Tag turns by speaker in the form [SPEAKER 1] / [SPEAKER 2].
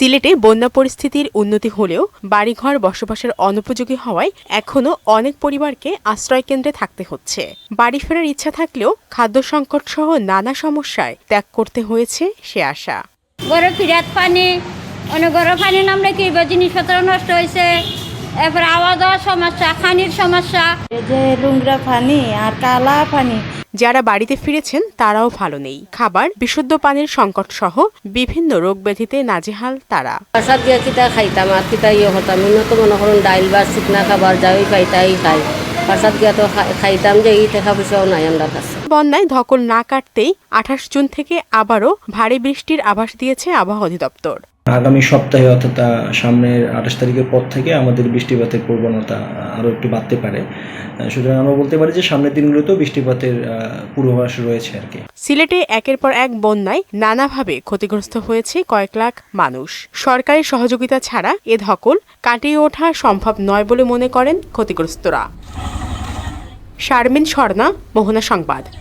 [SPEAKER 1] সিলেটে বন্যা পরিস্থিতির উন্নতি হলেও বাড়িঘর বসবাসের অনুপযোগী হওয়ায় এখনও অনেক পরিবারকে আশ্রয়কেন্দ্রে থাকতে হচ্ছে। বাড়ি ফেরার ইচ্ছা থাকলেও খাদ্য সংকট সহ নানা সমস্যায় ত্যাগ করতে হয়েছে সে আশা।
[SPEAKER 2] গড়ে ফিরাত পানি, অনেক গড়ে পানি নামলে কি জিনিসপত্র নষ্ট হয়েছে, এরপর আওয়াজ হওয়ার সমস্যা, খানির সমস্যা,
[SPEAKER 3] এই যে লুংরা পানি আর কালা পানি।
[SPEAKER 1] যারা বাড়িতে ফিরেছেন তারাও ভালো নেই। খাবার, বিশুদ্ধ পানির সংকট সহ বিভিন্ন রোগ ব্যাধিতে নাজেহাল তারা।
[SPEAKER 4] বাসাত গিয়া কিতা খাইতাম আর কিতা হতাম, তো মনে করুন ডাইল বা চিকনা খাবার যাই পাইতাই খাই। বাসাত গিয়া তো খাইতাম যে এই টাকা পয়সাও নাই আমার কাছে।
[SPEAKER 1] বন্যায় ধকল না কাটতেই 28 জুন থেকে আবারও ভারী বৃষ্টির আভাস দিয়েছে আবহাওয়া অধিদপ্তর।
[SPEAKER 5] আগামী সপ্তাহে অর্থাৎ সামনের 28 তারিখের পর থেকে আমাদের বৃষ্টিপাতের প্রবণতা আরও একটু বাড়তে পারে। সুতরাং আমরা বলতে পারি যে সামনের দিনগুলোতেও বৃষ্টিপাতের পূর্বাভাস রয়েছে আর কি।
[SPEAKER 1] সিলেটে একের পর এক বন্যায় নানাভাবে ক্ষতিগ্রস্ত হয়েছে কয়েক লাখ মানুষ। সরকারি সহযোগিতা ছাড়া এ ধকল কাটিয়ে ওঠা সম্ভব নয় বলে মনে করেন ক্ষতিগ্রস্তরা। শারমিন স্বর্ণা, মোহনা সংবাদ।